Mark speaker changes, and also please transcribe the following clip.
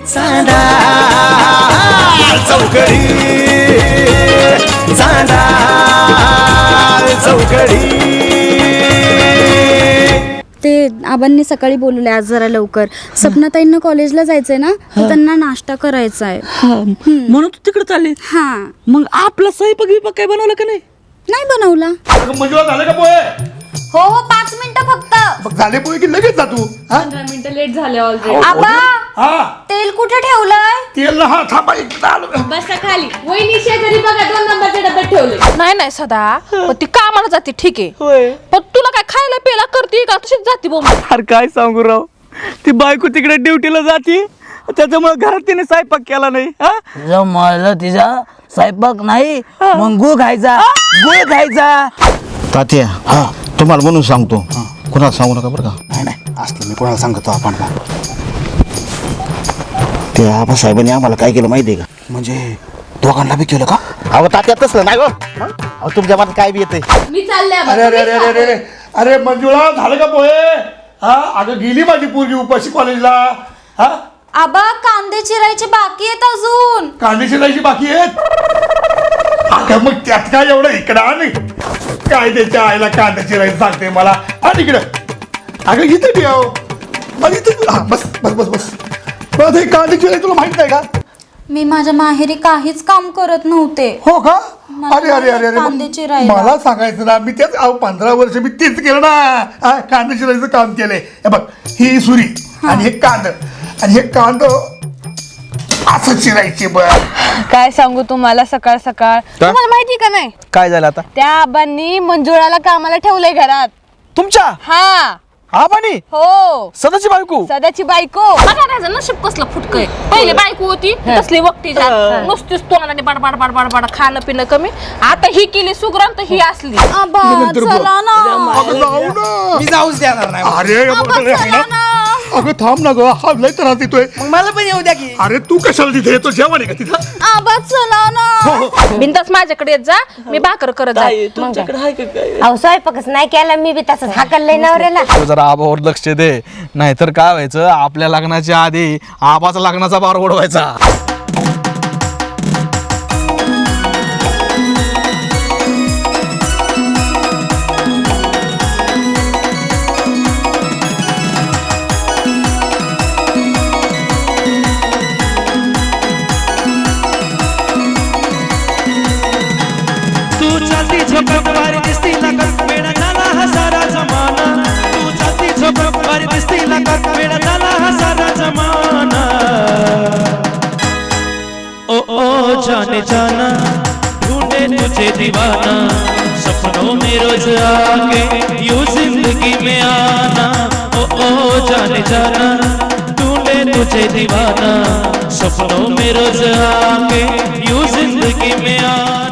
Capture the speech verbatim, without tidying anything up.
Speaker 1: चांदा चौकडी चांदा चौकडी.
Speaker 2: ते आबांनी सकाळी बोलवले आज जरा लवकर. सपनाताईंना कॉलेजला जायचंय ना, तर त्यांना नाश्ता करायचा आहे
Speaker 3: म्हणून तू तिकडे चालली.
Speaker 2: हा
Speaker 3: मग आपला स्वयंपाक बिपाक काय बनवला का नाही?
Speaker 2: नाही बनवला.
Speaker 4: मंजुळा झालं का पोहे?
Speaker 2: हो हो पाच मिनिटं फक्त.
Speaker 4: मग झाले पोहे की लगेच जा तू.
Speaker 5: पंधरा मिनिटं लेट झाले ऑलरेडी.
Speaker 2: आबा
Speaker 4: हा
Speaker 2: तेल कुठे ठेवलंय?
Speaker 4: तेल ना हा थांबा इकडे आलो.
Speaker 5: बसा खाली. वहिनी शेजारी बघा दोन नंबरचे डब्यात ठेवले.
Speaker 6: नाही नाही सदा पण ती कामाला जाते ठीक आहे,
Speaker 3: होय.
Speaker 6: पण तुला काय खायला प्यायला करते का तशीच जाते बोंब?
Speaker 3: अरे काय सांगू राव, ती बायको तिकडे ड्युटीला जाते, त्याच्यामुळे घरात तिने स्वयंपाक केला नाही. हा?
Speaker 7: जमलं तिचा स्वयंपाक नाही, मग गुळ खायचा गुळ खायचा.
Speaker 8: तात्या हा तुम्हाला म्हणून सांगतो, कोणाला सांगू नका बरं का.
Speaker 4: नाही नाही असलं मी कोणाला सांगतो आपण.
Speaker 8: ते आबासाहेबांनी आम्हाला काय केलं माहिती आहे का?
Speaker 4: म्हणजे दोघांना बी केलं का?
Speaker 8: अहो तात्या तसलं नाही हो. अहो तुमच्या मनात काय बी येते.
Speaker 5: मी चालले आबा.
Speaker 4: अरे अरे अरे अरे अरे अरे मंजुळा झालं का पोहे? हा अगं गेली माझी पोरगी उपाशी कॉलेजला. हा
Speaker 2: आबा कांदे चिरायचे बाकी आहेत अजून.
Speaker 4: कांदे शिलायची बाकी आहेत. अगं मग त्यात काय एवढं इकडं आणि काय त्याच्या आईला कांदा चिरायचं सांगते मला. आणि इकडं अगं इथे ठेव मग इथे. हा बस बस बस बस बस. हे कांदे चिरायचं तुला माहित नाही का?
Speaker 2: मी माझ्या माहेरी काहीच काम करत नव्हते.
Speaker 4: हो का?
Speaker 2: मला
Speaker 4: अरे अरे अरे अरे
Speaker 2: कांदे
Speaker 4: मग
Speaker 2: चिरायला.
Speaker 4: मला सांगायचं ना, मी तेच अहो पंधरा वर्ष मी तेच केलं ना. हा कांदा चिरायचं काम केलंय. हे बघ ही सुरी आणि हे कांद आणि हे कांद असं चिरायचे बघ.
Speaker 6: काय सांगू तुम्हाला सकाळ सकाळ. तुम्हाला माहिती का नाही
Speaker 3: काय झालं आता?
Speaker 6: त्या आबांनी मंजुळाला कामाला ठेवलंय घरात.
Speaker 3: तुमच्या
Speaker 6: हा
Speaker 3: आबानी
Speaker 6: हो
Speaker 3: सदाची बायको.
Speaker 6: सदाची बायको. बघा त्याचं नशीब कसलं फुटकय. पहिले बायको होती तसली वक्ती जात नुसतीच तोंडाने बडबड बडबड बड खाणं पिणं कमी. आता ही केली सुग्रण तर ही असली.
Speaker 2: आबा चला ना.
Speaker 4: अगं जाऊ ना.
Speaker 7: मी जाऊच देणार नाही.
Speaker 4: अरे
Speaker 2: चला ना.
Speaker 4: अगं थांब ना ग, हा लय त्रास देतोय.
Speaker 7: मग मला पण येऊ द्या की.
Speaker 4: अरे तू कशाला तिथे येतो? जेवण आहे का तिथं?
Speaker 2: आबा चला ना.
Speaker 6: बिंदास माझ्याकडे येत जा, मी भाकर करत
Speaker 3: काय
Speaker 6: जाईल.
Speaker 3: तुमच्याकडे आहे का काय?
Speaker 9: अहो स्वयंपाकच नाही केला मी बी तसंच हाकललंय नवऱ्याला.
Speaker 10: तू जरा आबावर लक्ष दे, नाहीतर काय व्हायचं, आपल्या लग्नाच्या आधी आबाचा लग्नाचा बार ओढवायचा.
Speaker 1: तू चालती झोपत वारी दिसती लागत वेडा झाला हा सारा जमाना. तू चालती झोपत वारी दिसती लागत वेडा झाला हा सारा जमाना. ओ ओ जाने जाना ढूंढे तुझे दीवाना. सपनों में रोज आके यूं जिंदगी में आना. ओ ओ जाने जाना ढूंढे तुझे दीवाना. सपनों में रोज आके यूं जिंदगी में आना.